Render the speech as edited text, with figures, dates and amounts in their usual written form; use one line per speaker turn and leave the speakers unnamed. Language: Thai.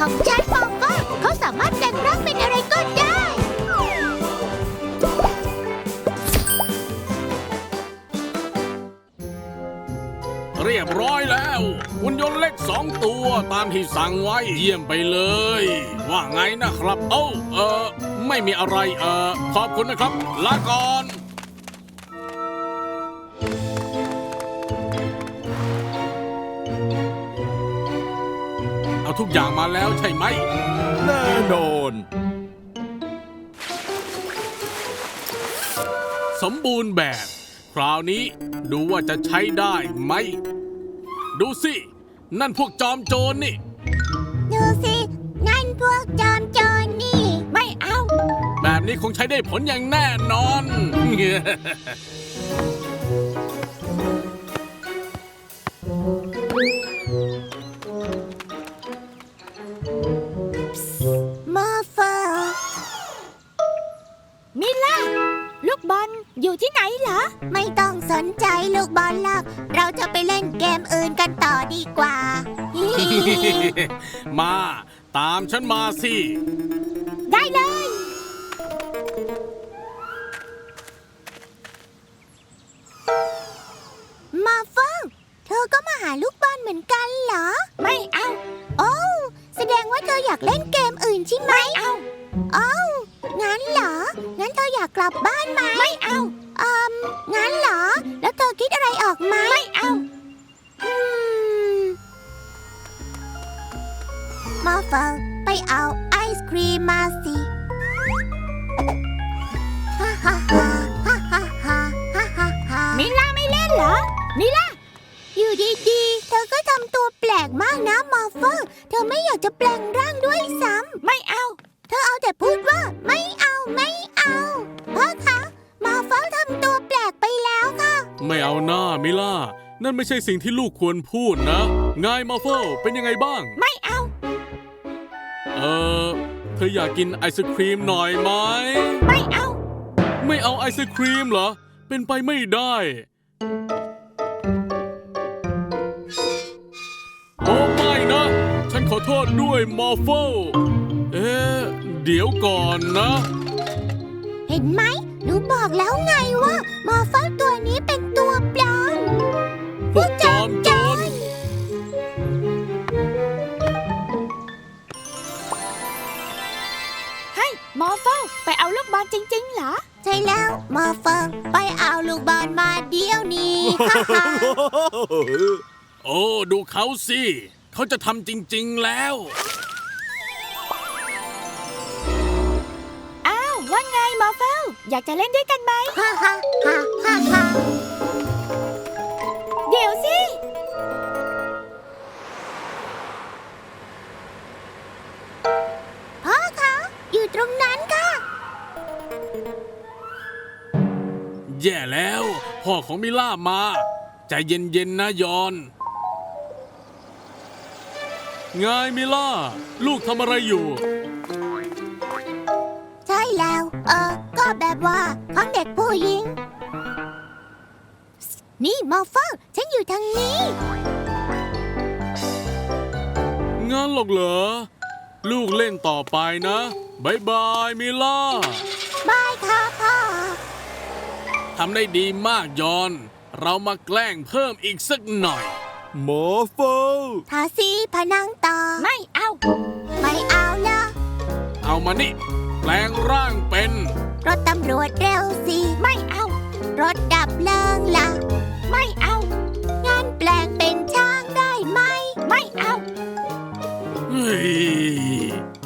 ของฉันมองว่าเขาสามารถแปลงร่างเป็นอะไรก็ได้
เรียบร้อยแล้วหุ่นยนต์เล็ก2 ตัวตามที่สั่งไว้เยี่ยมไปเลย ว่าไงนะครับไม่มีอะไรขอบคุณนะครับลาก่อนเอาทุกอย่างมาแล้วใช่ไหม
แน่นอน
สมบูรณ์แบบคราวนี้ดูว่าจะใช้ได้ไหมดูสินั่นพวกจอมโจรนี่
ดูสินั่นพวกจอมโจรนี่ไม่เอา
แบบนี้คงใช้ได้ผลอย่างแน่นอน
มอร์เฟอร์มิล่าลูกบอลอยู่ที่ไหนเหรอไม่ต้องสนใจลูกบอลหรอกเราจะไปเล่นเกมอื่นกันต่อดีกว่า
มาตามฉันมาสิ
ได้เลย มาเฟิงเธอก็มาหาลูกบอลเหมือนกันเหรอ ไม่เอา โอ้แสดงว่าเธออยากเล่นเกมอื่นใช่ไหมไม่เอาโอ้งั้นเหรอ งั้นเธออยากกลับบ้านไหมไม่เอางั้นเหรอ แล้วเธอคิดอะไรออกไหมไม่เอามาเฟิงไปเอาไอศครีมมาสิฮ่าฮ่าฮ่าฮ่าฮ่าฮ่าฮ่าฮ่ามิล่าไม่เล่นเหรอ มิล่าอยู่ดีๆเธอก็ทำตัวแปลกมากนะมอร์เฟอร์เธอไม่อยากจะแปลงร่างด้วยซ้ำไม่เอา เธอเอาแต่พูดว่าไม่เอาไม่เอาพ่อคะมอร์เฟอร์ทำตัวแปลกไปแล้วค่ะ
ไม่เอาหน้ามิล่านั่นไม่ใช่สิ่งที่ลูกควรพูดนะไงมาเฟลเป็นยังไงบ้าง
ไม่เอา
เธออยากกินไอศครีมหน่อยไหม
ไม่เอา
ไม่เอาไอศครีมเหรอเป็นไปไม่ได้โอ้ไม่นะฉันขอโทษด้วยมอร์เฟลเดี๋ยวก่อนนะ
เห็นไหมหนูบอกแล้วไงว่ามอร์เฟอร์ตัวนี้เป็นตัวปลอม
พวกจอมโจร
ให้มอร์เฟอร์ไปเอาลูกบอลจริงๆเหรอ ใช่แล้วมอร์เฟอร์ไปเอาลูกบอลมาเดี๋ยวนี้
โอ้ดูเขาสิเขาจะทำจริงๆแล้ว
อ้าวว่าไงมอร์เฟอร์อยากจะเล่นด้วยกันไหมฮ่าฮ่าฮ่าฮ่าฮ่าเดี๋ยวสิพ่อคะอยู่ตรงนั้นค่ะ
แย่แล้วพ่อของมิล่ามาใจเย็นๆนะยอนไงมิล่าลูกทำอะไรอยู่
ใช่แล้วก็แบบว่าของเด็กผู้หญิงนี่มอร์เฟอร์ฉันอยู่ทางนี้
งั้นหรอกเหรอลูกเล่นต่อไปนะบายบายมิล่า
บายค่ะพ่อ
ทำได้ดีมากยอนเรามาแกล้งเพิ่มอีกสักหน่อย
มอร์เฟล
ทาสีผนังต่อไม่เอาไม่เอาละ
เอามานี่แปลงร่างเป็น
รถตำรวจเร็วสิไม่เอารถดับเพลิงล่ะไม่เอางั้นแปลงเป็นช้างได้ไหมไม่เอา
เฮ้ย